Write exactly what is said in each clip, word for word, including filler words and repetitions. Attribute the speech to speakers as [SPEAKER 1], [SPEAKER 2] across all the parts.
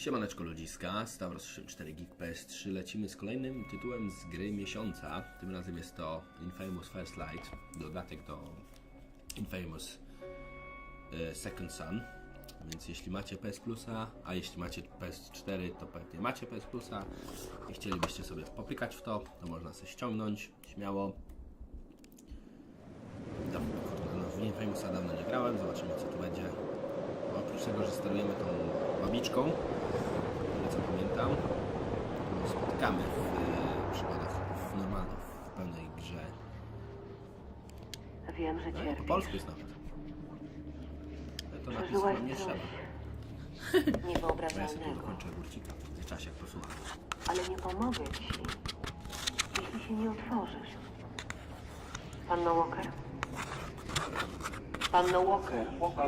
[SPEAKER 1] Siemaneczko ludziska, Stavros sześćdziesiąt cztery Geek P S trzy. Lecimy z kolejnym tytułem z gry miesiąca. Tym razem jest to Infamous First Light, dodatek do Infamous e, Second Son. Więc jeśli macie P S Plusa, a jeśli macie P S cztery, to pewnie macie P S Plusa i chcielibyście sobie popykać w to, to można sobie ściągnąć śmiało. Dawno, no, w Infamousa dawno nie grałem, zobaczymy co tu będzie. Bo oprócz tego, że sterujemy tą babiczką, co pamiętam, to spotykamy w e, przygodach w normalnej, w pełnej grze.
[SPEAKER 2] Wiem, że
[SPEAKER 1] No, po
[SPEAKER 2] cierpisz.
[SPEAKER 1] polsku jest nawet. Ale to napisać
[SPEAKER 2] Przeżyłaś
[SPEAKER 1] wam nie
[SPEAKER 2] coś
[SPEAKER 1] trzeba. Bo ja sobie tu
[SPEAKER 2] niewyobrażalnego,
[SPEAKER 1] dokończę górcika w międzyczasie, jak posłucham.
[SPEAKER 2] ale nie pomogę ci, jeśli się nie otworzysz. Panno Walker? Panno Walker?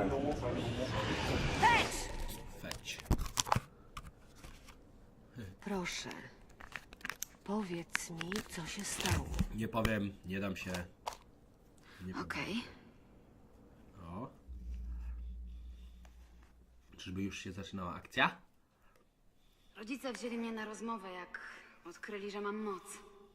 [SPEAKER 1] Feć.
[SPEAKER 2] Proszę, powiedz mi, co się stało.
[SPEAKER 1] Nie powiem, nie dam się. Nie powiem.
[SPEAKER 3] Okej.
[SPEAKER 1] O. Czyżby już się zaczynała akcja?
[SPEAKER 3] Rodzice wzięli mnie na rozmowę, jak odkryli, że mam moc.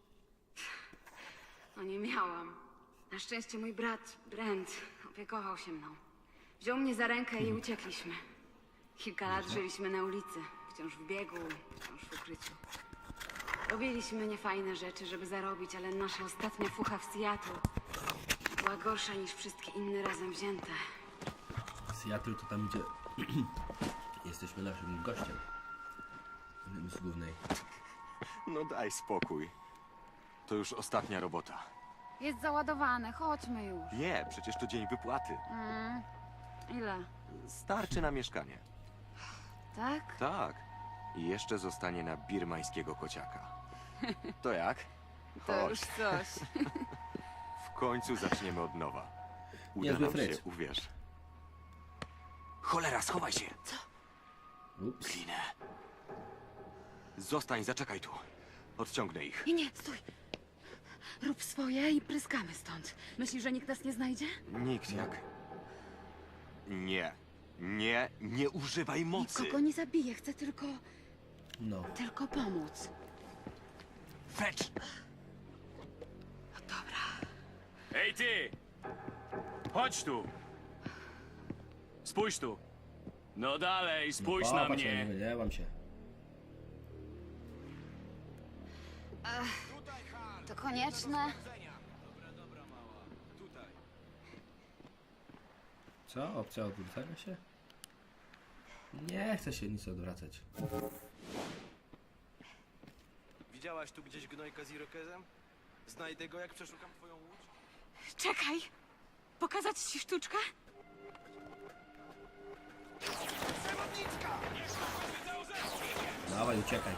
[SPEAKER 3] No nie miałam. Na szczęście mój brat, Brent, opiekował się mną. Wziął mnie za rękę i uciekliśmy. Kilka lat żyliśmy na ulicy. Wciąż w biegu, wciąż w ukryciu. Robiliśmy niefajne rzeczy, żeby zarobić, ale nasza ostatnia fucha w Seattle była gorsza niż wszystkie inne razem wzięte.
[SPEAKER 1] Seattle to tam, gdzie jesteśmy naszym gościem. Jednym z głównej.
[SPEAKER 4] No daj spokój. To już ostatnia robota.
[SPEAKER 3] Jest załadowane, chodźmy już.
[SPEAKER 4] Nie, przecież to dzień wypłaty.
[SPEAKER 3] Mm. Ile?
[SPEAKER 4] Starczy na mieszkanie.
[SPEAKER 3] Tak?
[SPEAKER 4] Tak. I jeszcze zostanie na birmańskiego kociaka. To jak?
[SPEAKER 3] To
[SPEAKER 4] Chodź.
[SPEAKER 3] już coś.
[SPEAKER 4] W końcu zaczniemy od nowa. Uda
[SPEAKER 1] Niezły
[SPEAKER 4] nam
[SPEAKER 1] fryz.
[SPEAKER 4] się, uwierz. Cholera, schowaj się!
[SPEAKER 1] Ups.
[SPEAKER 4] Klinę. Zostań, zaczekaj tu. Odciągnę ich.
[SPEAKER 3] Nie, nie, stój. Rób swoje i pryskamy stąd. Myślisz, że nikt nas nie znajdzie?
[SPEAKER 4] Nikt jak... Nie. Nie, nie używaj mocy.
[SPEAKER 3] Nikogo nie zabiję, chcę tylko...
[SPEAKER 1] No.
[SPEAKER 3] tylko pomóc.
[SPEAKER 4] Fetch!
[SPEAKER 3] No dobra.
[SPEAKER 5] Ej ty! Chodź tu! Spójrz tu! No dalej, spójrz
[SPEAKER 1] no,
[SPEAKER 5] na
[SPEAKER 1] popatrz, ja nie
[SPEAKER 5] mnie!
[SPEAKER 1] wydziałam się.
[SPEAKER 3] To konieczne?
[SPEAKER 1] Co? Opcja odwrócenia się? Nie chcę się nic odwracać.
[SPEAKER 6] Widziałaś tu gdzieś gnojka z irokezem? Znajdę go, jak przeszukam twoją łódź?
[SPEAKER 3] Czekaj. Pokazać ci sztuczkę?
[SPEAKER 1] Dawaj, uciekaj.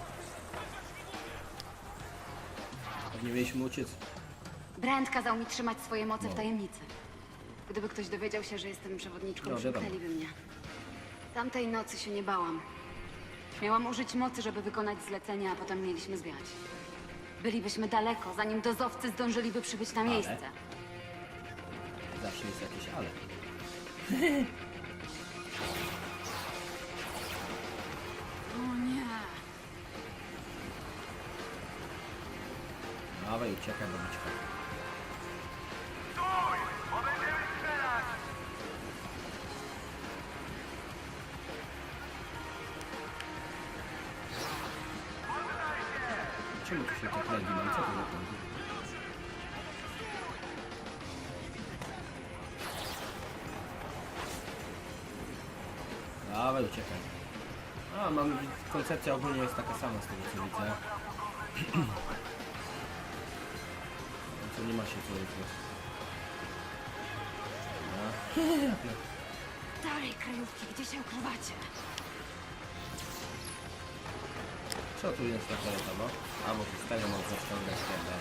[SPEAKER 1] Pewnie mieliśmy uciec.
[SPEAKER 3] Brand kazał mi trzymać swoje moce
[SPEAKER 1] No.
[SPEAKER 3] w tajemnicy. Gdyby ktoś dowiedział się, że jestem przewodniczką,
[SPEAKER 1] No, wiadomo.
[SPEAKER 3] przymknęliby mnie. Tamtej nocy się nie bałam. Miałam użyć mocy, żeby wykonać zlecenie, a potem mieliśmy zwiać. Bylibyśmy daleko, zanim dozowcy zdążyliby przybyć na
[SPEAKER 1] Ale?
[SPEAKER 3] miejsce.
[SPEAKER 1] Zawsze jest jakieś ale.
[SPEAKER 3] O nie.
[SPEAKER 1] Dawaj, uciekaj, babiczka. Czemu tu się tak legi mam? Co to za to? Dawaj, uciekaj. A, mam... koncepcja ogólnie jest taka sama z tego co widzę. Co nie ma się co ukryć. No.
[SPEAKER 3] Dalej, kryjówki, gdzie się ukrywacie?
[SPEAKER 1] Co tu jest takiego? A, bo z tego mam zaciągać ten.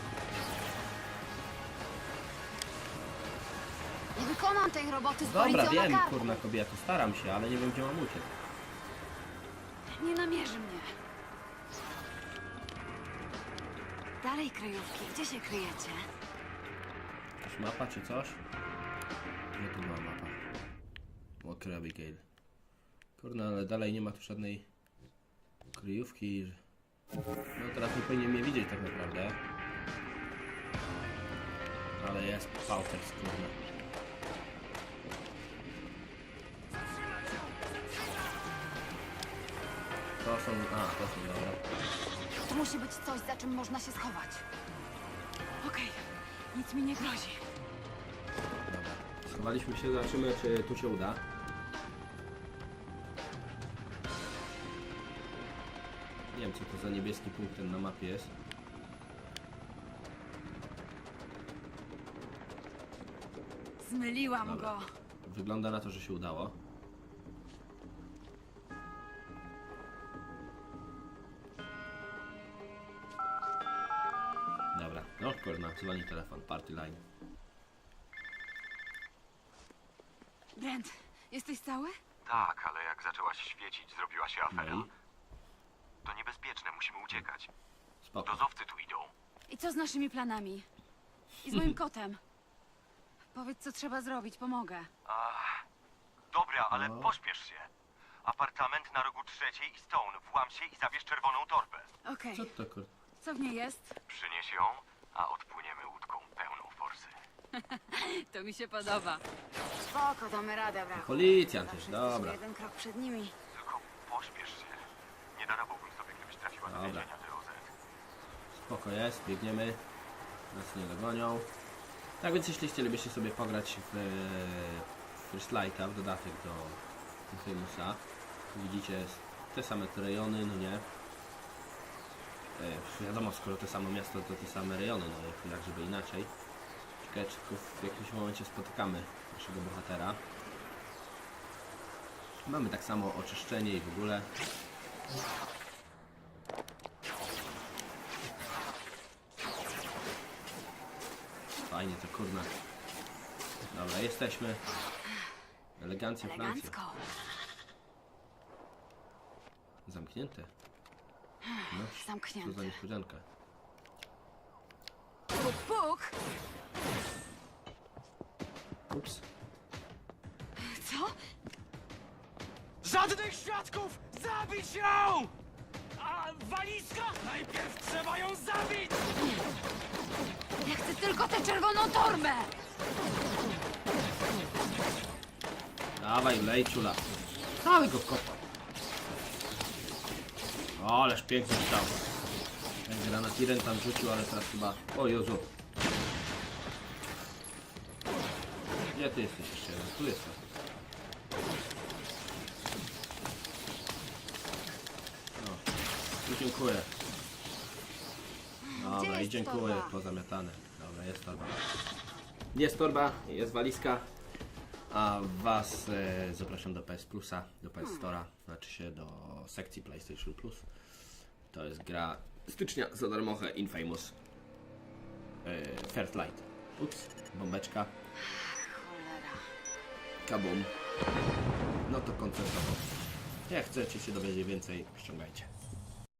[SPEAKER 3] Nie wykonam tej roboty z
[SPEAKER 1] Dobra,
[SPEAKER 3] policją
[SPEAKER 1] wiem,
[SPEAKER 3] na karku.
[SPEAKER 1] kurna kobieta, staram się, ale nie wiem gdzie mam uciec.
[SPEAKER 3] Nie namierzy mnie. Dalej, kryjówki, gdzie się kryjecie?
[SPEAKER 1] Jakaś mapa czy coś? Gdzie tu była mapa? Walker Abigail. Kurna, ale dalej nie ma tu żadnej kryjówki. No teraz nie powinien mnie widzieć tak naprawdę. Ale jest Pauters, kurna. To są... A, to są, dobra.
[SPEAKER 3] To musi być coś, za czym można się schować. Okej, nic mi nie grozi.
[SPEAKER 1] Dobra. Schowaliśmy się, zobaczymy czy tu się uda. Nie wiem co to za niebieski punkt ten na mapie jest.
[SPEAKER 3] Zmyliłam
[SPEAKER 1] Dobra.
[SPEAKER 3] go.
[SPEAKER 1] Wygląda na to, że się udało. Dobra, no kurna, dzwoni telefon, party line.
[SPEAKER 3] Brent, jesteś cały?
[SPEAKER 4] Tak, ale jak zaczęłaś świecić, zrobiła się afera.
[SPEAKER 1] No i
[SPEAKER 4] To niebezpieczne, musimy uciekać.
[SPEAKER 1] spoko.
[SPEAKER 4] Dozowcy tu idą.
[SPEAKER 3] I co z naszymi planami? I z moim kotem? Powiedz, co trzeba zrobić, pomogę.
[SPEAKER 4] Dobra, ale
[SPEAKER 1] No.
[SPEAKER 4] pośpiesz się. Apartament na rogu trzeciej i Stone. Włam się i zabierz czerwoną torbę.
[SPEAKER 3] Okej,
[SPEAKER 1] Co to kur...
[SPEAKER 3] co w niej jest?
[SPEAKER 4] Przynieś ją, a odpłyniemy łódką pełną forsy.
[SPEAKER 3] To mi się podoba. Spoko, damy radę, brachu.
[SPEAKER 1] Policjant
[SPEAKER 3] Zawsze
[SPEAKER 1] jest,
[SPEAKER 3] jesteśmy
[SPEAKER 1] dobra.
[SPEAKER 3] jeden krok przed nimi.
[SPEAKER 4] Tylko pośpiesz się. Nie darowałbym sobie, gdybyś trafiła do
[SPEAKER 1] Dobra.
[SPEAKER 4] więzienia D O Z.
[SPEAKER 1] Spoko jest, biegniemy. Nas nie dogonią. Tak więc jeśli chcielibyście sobie pograć w, w First Lighta, w dodatek do Infamousa, widzicie te same te rejony, no nie? E, wiadomo, skoro to samo miasto, to te same rejony, no jak, jak żeby inaczej. Ciekawe, czy tylko w jakimś momencie spotykamy naszego bohatera. Mamy tak samo oczyszczenie i w ogóle. Fajnie to kurna. Dobra, jesteśmy. Elegancja Francja.
[SPEAKER 3] Elegancko.
[SPEAKER 1] Zamknięte. No, co za
[SPEAKER 3] Zamknięte.
[SPEAKER 1] niespodzianka.
[SPEAKER 3] Puk, puk!
[SPEAKER 1] Ups.
[SPEAKER 3] Co?
[SPEAKER 6] Żadnych świadków! Zabić ją! A walizka? Najpierw trzeba ją zabić!
[SPEAKER 3] Ja chcę tylko tę czerwoną torbę!
[SPEAKER 1] Dawaj, lej czula. Całego kopa. O, ależ pięknie stał. Ten granatiren tam rzucił, ale teraz chyba... O Jezu. Gdzie ty jesteś jeszcze jeden? Tu jestem. No. Tu dziękuję. Dobra, i
[SPEAKER 3] jest
[SPEAKER 1] dziękuję.
[SPEAKER 3] torba?
[SPEAKER 1] Pozamiatane. Dobra, jest torba. Jest torba, jest walizka. A was e, zapraszam do P S Plusa, do P S Store'a, znaczy się do sekcji PlayStation Plus. To jest gra stycznia za darmochę Infamous e, First Light. Ups, bombeczka,
[SPEAKER 3] Cholera.
[SPEAKER 1] kabum. No to koncertowo. Jak chcecie się dowiedzieć więcej, ściągajcie.